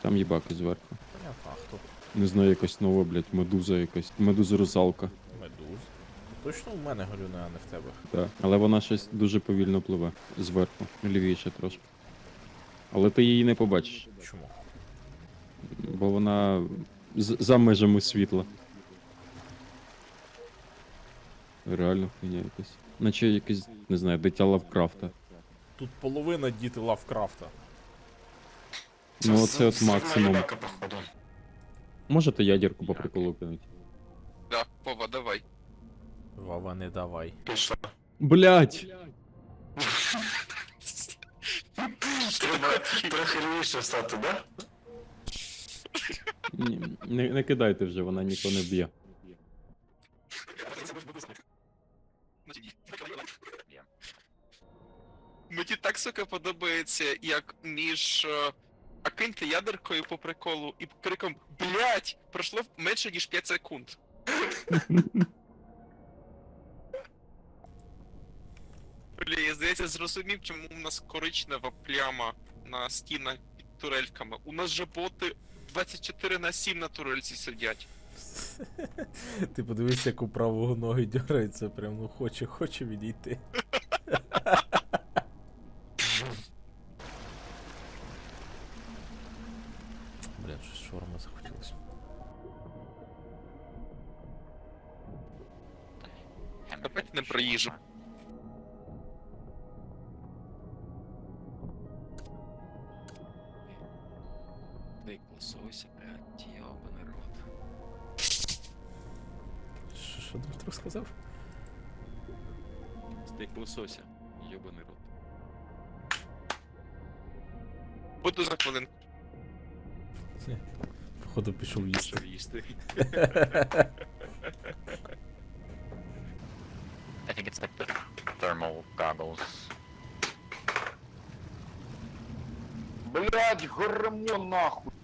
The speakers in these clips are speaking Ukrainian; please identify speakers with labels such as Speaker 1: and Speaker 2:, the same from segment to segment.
Speaker 1: Там їбаки зверху.
Speaker 2: Понятно, а хто?
Speaker 1: Не знаю, якась нова, блядь, медуза якась. Медуза-русалка.
Speaker 2: Медуз. Точно в мене галюни, а не в тебе.
Speaker 1: Так. Але вона щось дуже повільно пливе. Зверху. Лівіше трошки. Але ти її не побачиш.
Speaker 2: Чому?
Speaker 1: Бо вона за межами світла. Реально хуйня якась. Наче якесь, не знаю, дитя Лавкрафта.
Speaker 2: Тут половина діти Лавкрафта.
Speaker 1: Ну оце от максимум.
Speaker 3: Ебака, походу.
Speaker 1: Можете ядерку по приколу кинути?
Speaker 4: Да, Вова, давай.
Speaker 2: Вова, не давай.
Speaker 3: Пішла.
Speaker 1: Блять!
Speaker 3: Треба трохи лівіше встати, да?
Speaker 1: Не кидайте вже, вона нікого не б'є.
Speaker 4: Мені так, сука, подобається, як між а киньте ядеркою по приколу і криком «Блять!» пройшло менше, ніж 5 секунд. Бля, я, здається, зрозумів, чому у нас коричнева пляма на стінах під турельками. У нас же боти 24/7 на турельці сидять.
Speaker 2: Ти подивись, як у правого ноги дьорається, прям ну хоче відійти. Блін, щось шаурми захотілося.
Speaker 4: Давайте не про їжу.
Speaker 5: Стейк лосося, блядь, ёбаный рот.
Speaker 2: Що Дмитро сказав?
Speaker 5: Стейк лосося, ёбаный рот.
Speaker 4: Буду за хвилинку.
Speaker 2: Походу пішов їсти.
Speaker 5: Що їсти?
Speaker 6: I think it's like the thermal goggles.
Speaker 7: Блять, гормон нахуй.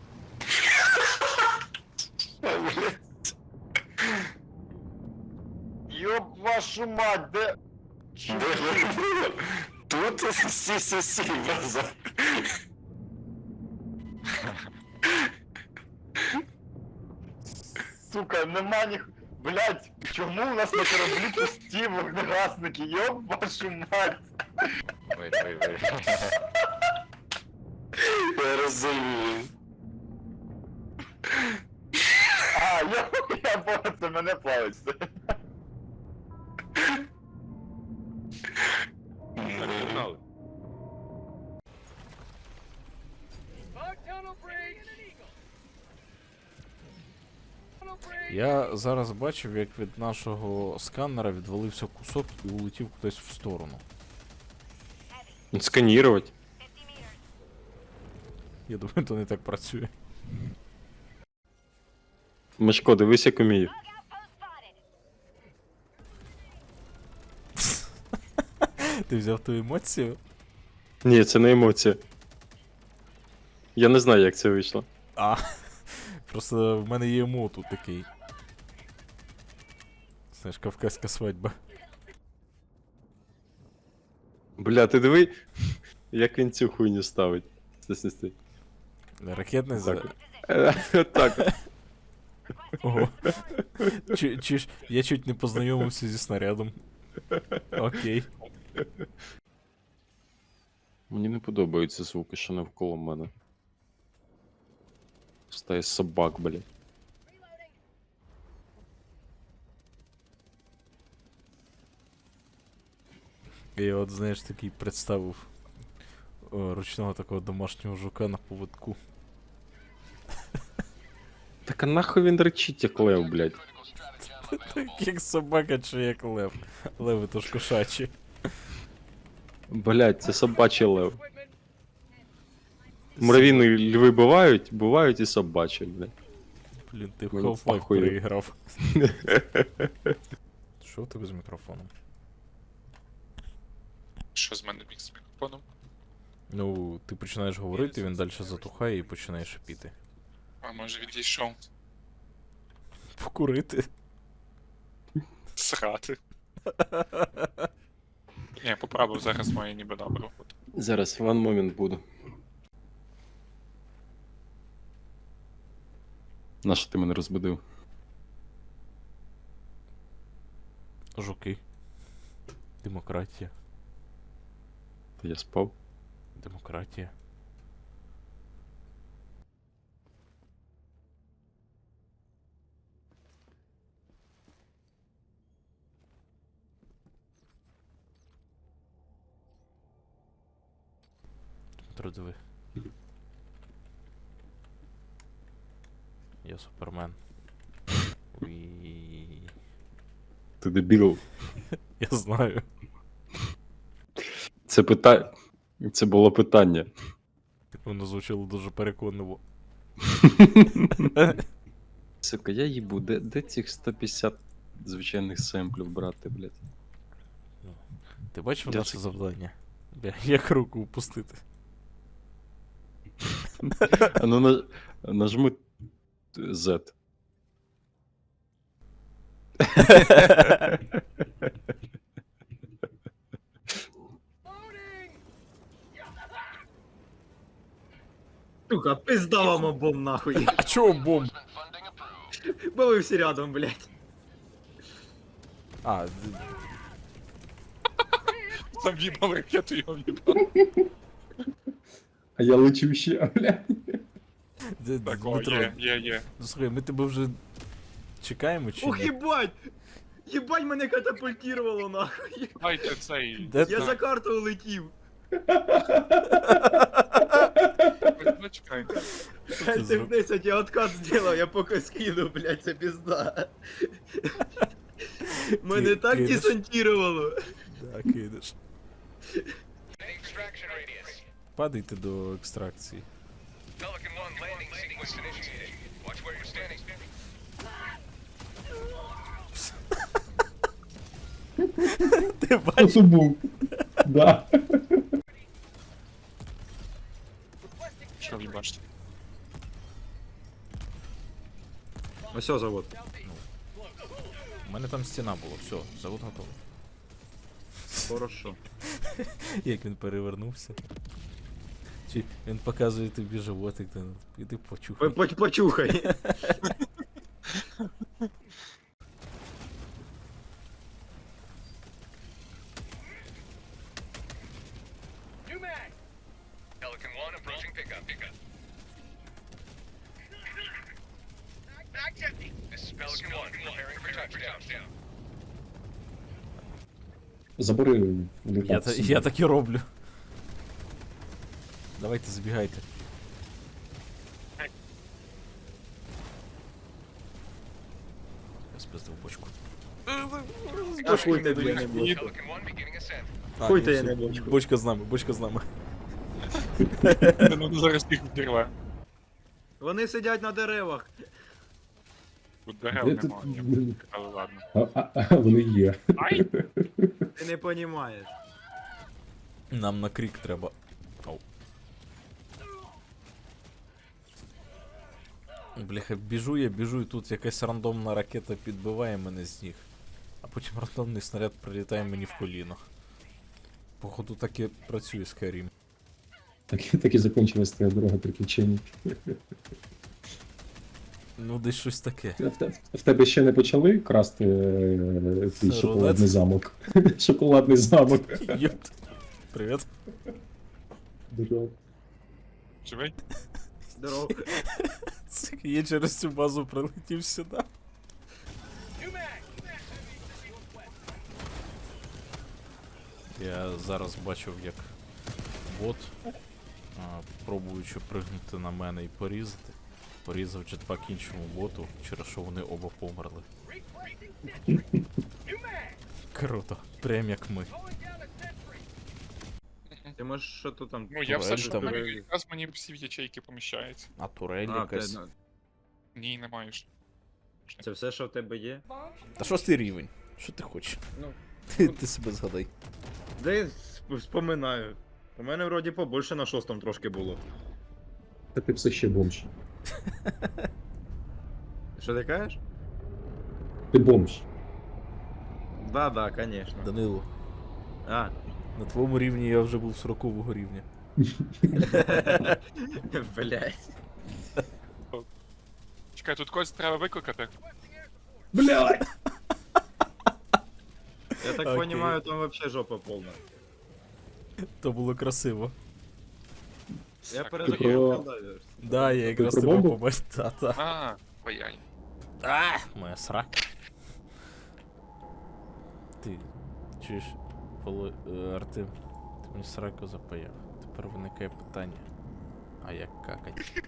Speaker 7: Ёб вашу мать, де...
Speaker 3: Тут сі-сі-сі, базар.
Speaker 7: Сука, нема них... Блять, чому у нас на кораблі пусті вогнегасники? Ёб вашу мать.
Speaker 6: Wait.
Speaker 3: Я розумію.
Speaker 7: А, я понял, це мене плавиться.
Speaker 5: Погнали.
Speaker 2: Я зараз бачив, як від нашого сканера відвалився кусок і улетів кудись в сторону.
Speaker 1: Сканірувати.
Speaker 2: Я думаю, то не так працює.
Speaker 1: Мишко, дивись, як умію.
Speaker 2: Ти взяв ту емоцію?
Speaker 1: Ні, це не емоція. Я не знаю, як це вийшло.
Speaker 2: А, просто в мене є емо тут такий. Знаєш, кавказька свадьба.
Speaker 1: Бля, ти диви, як він цю хуйню ставить. Стой.
Speaker 2: Ракетний
Speaker 1: Так.
Speaker 2: за...
Speaker 1: Так.
Speaker 2: Ого. Чуєш, я чуть не познайомився зі снарядом. Окей.
Speaker 1: Мені не подобаються звуки, що навколо мене. Стає собак, блядь.
Speaker 2: Я от, знаєш, такий представив ручного такого домашнього жука на поводку.
Speaker 1: Так а нахуй він речить, як лев, блядь.
Speaker 2: Так як собака чи як лев. Леви то ж кошачі.
Speaker 1: Блядь, це собачий лев. Муравійні льви бувають і собачі, блядь.
Speaker 2: Блін, ти в
Speaker 1: Мені
Speaker 2: Half-Life
Speaker 1: похуй.
Speaker 2: переіграв. Що в тебе з мікрофоном?
Speaker 4: Що з мене міг з мікрофоном?
Speaker 2: Ну, ти починаєш говорити, він далі затухає і починає шипіти.
Speaker 4: А може відійшов?
Speaker 2: Покурити.
Speaker 4: Срати. Ні, поправив, зараз має ніби добре бути.
Speaker 1: Зараз, one moment буду. Нащо ти мене розбудив?
Speaker 2: Жуки. Демократія.
Speaker 1: Та я спав.
Speaker 2: Демократія. Дмитро, диви. Я супермен. Уі.
Speaker 1: Ти дебіл.
Speaker 2: Я знаю.
Speaker 1: Це було питання.
Speaker 2: Воно звучало дуже переконливо.
Speaker 1: Сука, я їбу, де цих 150 звичайних семплів брати, блядь?
Speaker 2: Ти бачив
Speaker 1: Я
Speaker 2: наше
Speaker 1: це-
Speaker 2: завдання? Як руку упустити?
Speaker 1: А ну нажми Z.
Speaker 8: Сука, пизда вам обом нахуй.
Speaker 2: А чого бомб?
Speaker 8: Бо ви всі рядом, блядь.
Speaker 2: А,
Speaker 4: Там в'їбав ракету, його в'їбав.
Speaker 1: А я лечу ще, блядь.
Speaker 4: Так, о,
Speaker 2: Дмитро,
Speaker 4: є.
Speaker 2: ну, слухай, ми тебе вже чекаємо чи
Speaker 8: Ух,
Speaker 2: ні?
Speaker 8: єбать! Єбать мене катапультировало нахуй.
Speaker 4: Дайте цей.
Speaker 2: Де
Speaker 8: Я за карту улетів.
Speaker 4: Чекай.
Speaker 2: ти зроб-
Speaker 8: 10, я откат зробив, я поки скину, блядь, це пізда. Мене так
Speaker 2: кинеш?
Speaker 8: десантировало.
Speaker 2: Да, кидаш. Падайте до екстракції. Ти бачиш?
Speaker 1: Це був. Да.
Speaker 4: Що в'їбаште?
Speaker 8: Ось завод.
Speaker 2: У мене там стіна була, все, завод готовий.
Speaker 8: Хорошо.
Speaker 2: Як він перевернувся. Чи він показує тобі животик, ти іди почухай.
Speaker 8: Почухай.
Speaker 1: Забери
Speaker 2: Я так і роблю. Давайте забігайте. Я спиздив бочку.
Speaker 8: А хуй ти, блядь, не буду.
Speaker 2: А,
Speaker 8: Хуй
Speaker 2: ні,
Speaker 8: ти, я
Speaker 2: все,
Speaker 8: не бочку.
Speaker 2: Бочка з нами, бочка з нами.
Speaker 4: Ну зараз їх вірве.
Speaker 8: Вони сидять на деревах.
Speaker 4: Тут дерев немає. Але ладно.
Speaker 1: Вони є.
Speaker 4: Ай!
Speaker 8: Ти не понімаєш.
Speaker 2: Нам на крік треба. Ау. Бляха, біжу, і тут якась рандомна ракета підбиває мене з ніг. А потім рандомний снаряд прилітає мені в коліно. Походу так і працює Skyrim.
Speaker 9: Так і закінчилась твоя дорога приключень.
Speaker 2: Ну, десь щось таке.
Speaker 9: В тебе ще не почали красти твій
Speaker 2: Це
Speaker 9: шоколадний
Speaker 2: рулет?
Speaker 9: замок. Шоколадний замок.
Speaker 2: Йопт. Привіт.
Speaker 9: Дуже.
Speaker 4: Живий?
Speaker 8: Здорово.
Speaker 2: Я через цю базу прилетів сюди. Я зараз бачив, як бот, пробуючи пригнути на мене і порізати, порізав джетпак іншому боту, через що вони оба померли. Круто, прям як ми.
Speaker 8: Ти можеш що тут там?
Speaker 4: Ну я все ж
Speaker 2: Там.
Speaker 4: якраз мені всі в ячейки поміщаються.
Speaker 2: А турель
Speaker 8: А,
Speaker 2: якась.
Speaker 8: ти-
Speaker 4: Ні, не маєш.
Speaker 8: Це все, що в тебе є?
Speaker 2: Та 6-й рівень. Що ти хочеш?
Speaker 8: Ну.
Speaker 2: Ти себе згадай.
Speaker 8: Да я вспоминаю. У мене вроді побольше на 6-му трошки було.
Speaker 9: Та ти все ще бомж.
Speaker 8: Що ти кажеш?
Speaker 9: Ти бомж.
Speaker 8: Да, конечно.
Speaker 2: Данило,
Speaker 8: А.
Speaker 2: на твоєму рівні я вже був 40-го рівня.
Speaker 8: Блять.
Speaker 10: Чекай, тут когось треба викликати.
Speaker 9: Блядь!
Speaker 8: Я так
Speaker 2: Окей.
Speaker 8: понимаю, там вообще жопа повна.
Speaker 2: То було красиво.
Speaker 8: Я
Speaker 10: Так,
Speaker 8: перезахотів далі.
Speaker 2: Да, я якраз
Speaker 9: про
Speaker 2: тебе
Speaker 9: бомбу?
Speaker 2: побачив. Та-та.
Speaker 10: А, паянь.
Speaker 2: Моя срака. Ти чуєш, Артем, ти мені сраку запаяв. Тепер виникає питання. А як какать?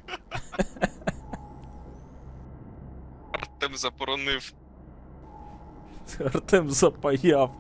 Speaker 4: Артем заборонив.
Speaker 2: Артем запаяв.